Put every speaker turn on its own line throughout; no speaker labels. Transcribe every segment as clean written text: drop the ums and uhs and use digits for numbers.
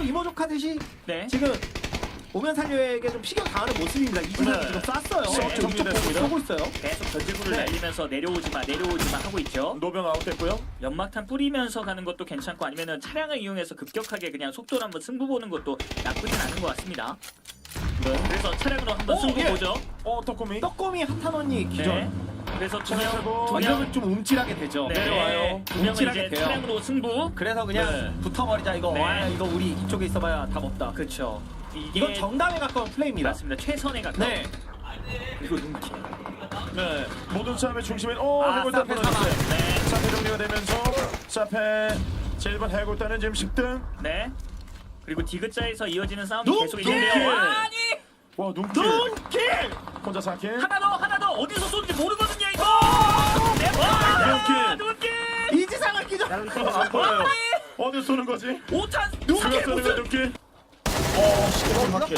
이모족하듯이
네.
지금 오면 살려에게 좀 피겨 당하는 모습입니다. 이진을
네.
지금 쐈어요.
네,
이쪽 보고
정리됐습니다.
쏘고 있어요.
계속 전지구를
네.
날리면서 내려오지마 하고 있죠.
노병 아웃됐고요.
연막탄 뿌리면서 가는 것도 괜찮고 아니면은 차량을 이용해서 급격하게 그냥 속도를 한번 승부 보는 것도 나쁘진 않은 것 같습니다.
네.
그래서 차량으로 한번 승부
예.
보죠.
떡꼬미.
떡꼬미 핫한 언니 기절.
네. 그래서 두
차량하고
명,
완전 좀 움찔하게 되죠.
네.
내려와요.
두 명은
움찔하게
이제
돼요.
차량으로 승부.
그래서 그냥
네.
붙어버리자 이거.
네.
아, 이거 우리 이쪽에 있어봐야 답 없다.
그렇죠. 이게
이건 정답에 가까운 플레이입니다.
맞습니다. 최선에 가까운.
네.
그리고 눈길.
네. 모든 싸움의 중심인
아,
해골단
사페
끊어졌어요.
네.
사페 정리가 되면서 사페 제1번 해골단은 지금 10등.
네. 그리고 디귿자에서 이어지는 싸움이
눈길!
계속 있는데요. 아니!
와 눈길.
눈길!
혼자 4킬.
하나 더 어디서 쏘는지 모르거든요 이거. 네. 와! 눈길!
이지상을 기절.
안 보여요. 어디 쏘는 거지?
5탄
누가
눈길
쏘는 거야
무슨
눈길? 시계 맞게.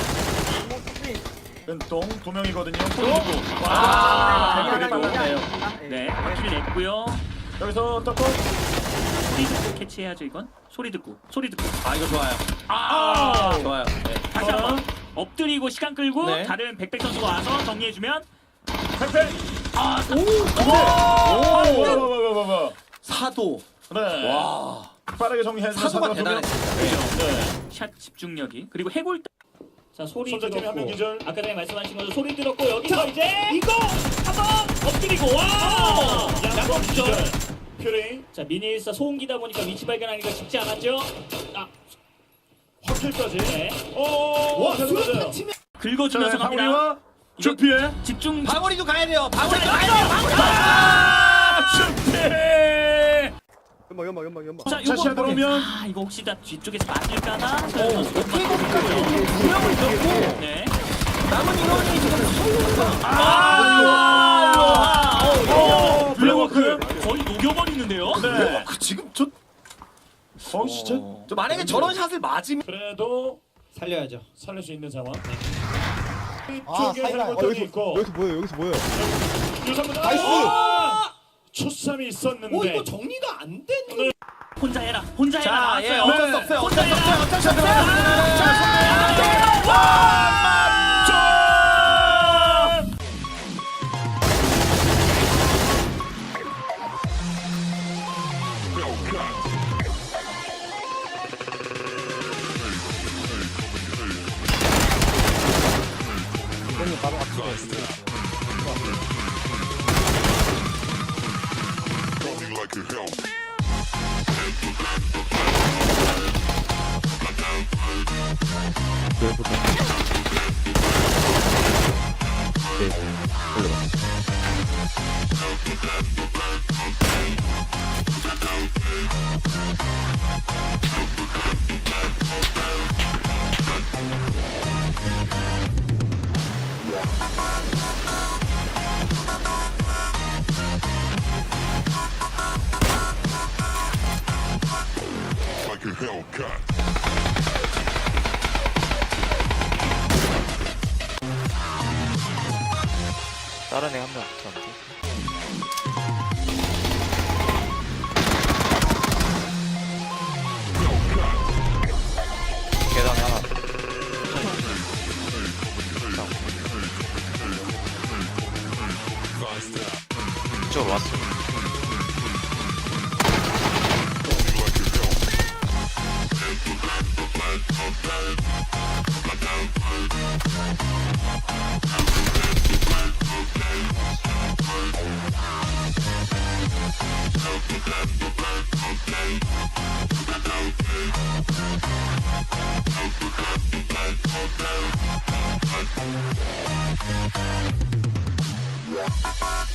왼동 두 명이거든요.
와!
그리고
네. 킬 냈고요.
여기서 떡꼬.
소리 듣고 캐치해야죠 이건. 소리 듣고.
아 이거 좋아요.
아!
좋아요. 네.
다시 한번 엎드리고 시간 끌고
네.
다른 백백 선수가 와서 정리해주면
팽팽.
아!
오.
사도.
네.
와.
빠르게 정리해주면
사도가
두 명.
대단했습니다.
네.
샷 집중력이 그리고 해골 자 소리
손잡이 한명
들었고
기절.
아까 전에 말씀하신 것처럼 소리 들었고 여기서 이제 이거 한번 엎드리고 와 양권 기절
퓨리.
자 미니일사 소음기다 보니까 위치 발견하기가 쉽지 않았죠 아
확킬까지.
네.
오.
수류탄 치면
긁어주면서 갑니다
방울이와 주피에.
집중
방울이도 가야 돼요. 방울이도 가야 돼요. 방울이.
주피.
연막.
자
다시 들어오면.
아 이거 혹시 다 뒤쪽에서 맞을까나
오케이 거기까지 두 명을 잃었고
네
남은 인원이 지금
블랙워크.
거의 녹여버리는데요
네.
지금 저
진짜.
만약에 저런 샷을 맞으면
그래도
살려야죠.
살릴 수 있는 상황.
아,
이쪽에
사이다.
해골단이 있고.
여기서 뭐예요?
유성분.
나이스!
초쌈이 있었는데.
정리가 안 되는.
혼자 해라
자,
나왔어요
예, 어쩔 수 없어요.
혼자
어쩔 수
해라
없어요. 어쩔 수 없어요.
Like a Hellcat.
다른 애 한 명 붙었는데. 계단에 하나. 이쪽으로 왔어.
Yeah.